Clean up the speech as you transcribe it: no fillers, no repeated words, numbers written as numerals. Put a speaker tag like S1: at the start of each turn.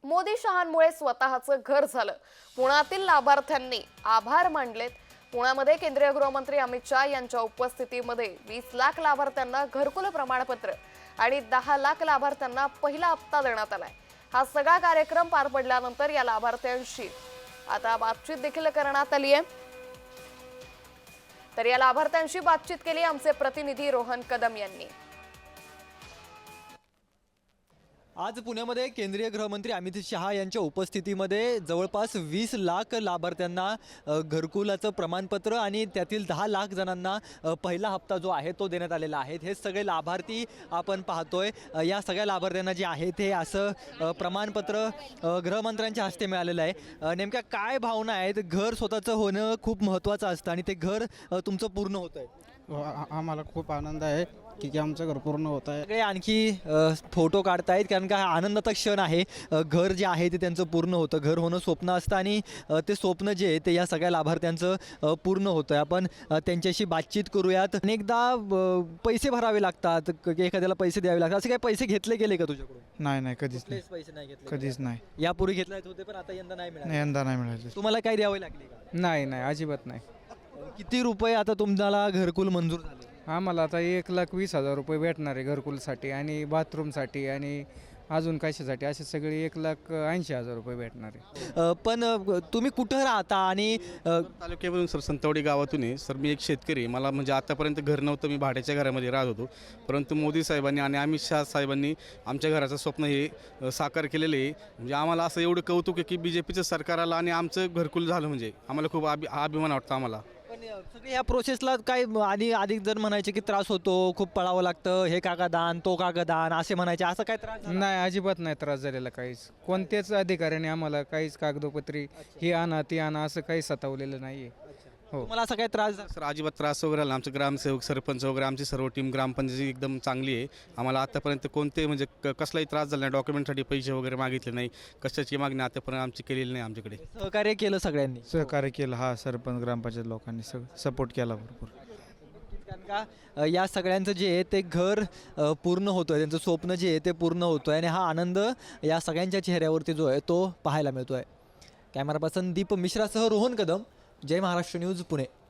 S1: मोदी शहांमुळे स्वतःचं घर झालं. पुण्यातील लाभार्थ्यांनी आभार मानलेत. पुण्यामध्ये केंद्रीय गृहमंत्री अमित शाह यांच्या उपस्थितीमध्ये 20 लाख लाभार्थ्यांना घरकुल प्रमाणपत्र आणि 10 लाख लाभार्थ्यांना पहिला हप्ता देण्यात आलाय. हा सगळा कार्यक्रम पार पडल्यानंतर या लाभार्थ्यांशी आता बातचीत देखील करण्यात आली आहे. तर या लाभार्थ्यांशी बातचीत केली आमचे प्रतिनिधी रोहन कदम यांनी.
S2: आज पुण्यामध्ये केंद्रीय गृहमंत्री अमित शहा यांच्या उपस्थितीमध्ये जवळपास 20 लाख लाभार्थ्यांना घरकुलाचं प्रमाणपत्र आणि त्यातील 10 लाख जणांना पहिला हप्ता जो आहे तो देण्यात आलेला आहे. हे सगळे लाभार्थी आपण पाहतोय. या सगळ्या लाभार्थ्यांना जे आहे ते असं प्रमाणपत्र गृहमंत्र्यांच्या हस्ते मिळालेलं आहे. नेमक्या काय भावना आहेत? घर स्वतःचं होणं खूप महत्त्वाचं असतं आणि ते घर तुमचं पूर्ण होतं आहे.
S3: आम्हाला खूप आनंद आहे की आमचं घर पूर्ण होत आहे.
S2: सगळे आणखी फोटो काढतायत कारण का हा आनंदाचा क्षण आहे. घर जे आहे ते त्यांचं पूर्ण होतं. घर होणं स्वप्न असतं आणि ते स्वप्न जे आहे ते या सगळ्या लाभार्थ्यांचं पूर्ण होतं. आपण त्यांच्याशी बातचीत करूयात. अनेकदा पैसे भरावे लागतात, एखाद्याला पैसे द्यावे लागतात. असे काही पैसे घेतले गेले का तुझ्याकडून?
S3: नाही कधीच नाही.
S2: पैसे नाही घेतले?
S3: कधीच नाही.
S2: यापूर्वी घेतले होते पण आता यंदा नाही मिळाले.
S3: यंदा नाही मिळाले.
S2: तुम्हाला काय द्यावे लागले का?
S3: नाही अजिबात नाही.
S2: किती रुपये आता तुम्हाला घरकुल मंजूर झाले?
S3: आम्हाला आता 1,20,000 रुपये भेटणार आहे घरकुलसाठी आणि बाथरूमसाठी आणि अजून कशासाठी असे सगळे 1,80,000 रुपये भेटणार आहे.
S2: पण तुम्ही कुठं राहता? आणि
S4: तालुक्यामधून सर संतवाडी गावातून आहे सर. मी एक शेतकरी. मला म्हणजे आतापर्यंत घर नव्हतं. मी भाड्याच्या घरामध्ये राहत होतो. परंतु मोदी साहेबांनी आणि अमित शहा साहेबांनी आमच्या घराचं स्वप्न हे साकार केलेलं आहे. म्हणजे आम्हाला असं एवढं कौतुक आहे की BJPचं सरकार आलं आणि आमचं घरकुल झालं. म्हणजे आम्हाला खूप अभिमान वाटतो आम्हाला.
S2: पण सगळे या प्रोसेसला काय आधी अधिक जण म्हणायचे की त्रास होतो, खूप पळावं लागतं, हे कागदान तो कागदान असे म्हणायचे. असं काय त्रास झाला?
S3: नाही अजिबात नाही त्रास झालेला काहीच. कोणत्याच अधिकाऱ्याने आम्हाला काहीच कागदोपत्री ही आणा ती आणा असं काही सतावलेलं नाही आहे. हो.
S2: मला असं काय त्रास झाला?
S4: सर अजिबात त्रास वगैरे आला. आमचे ग्रामसेवक सरपंच वगैरे आमची सर्व टीम ग्रामपंचायती एकदम चांगली आहे. आम्हाला आतापर्यंत कोणते म्हणजे कसलाही त्रास झाला नाही. डॉक्युमेंटसाठी पैसे वगैरे मागितले नाही. कशाची मागणी आतापर्यंत आमची केलेली नाही. आमच्याकडे
S2: सहकार्य केलं सगळ्यांनी.
S3: सहकार्य केलं. हा सरपंच ग्रामपंचायत लोकांनी सपोर्ट केला भरपूर.
S2: कारण का या सगळ्यांचं जे आहे ते घर पूर्ण होतोय, त्यांचं स्वप्न जे आहे ते पूर्ण होतोय आणि हा आनंद या सगळ्यांच्या चेहऱ्यावरती जो आहे तो पाहायला मिळतोय. कॅमेरा पर्सन दीप मिश्रासह रोहन कदम, जय महाराष्ट्र न्यूज, पुणे.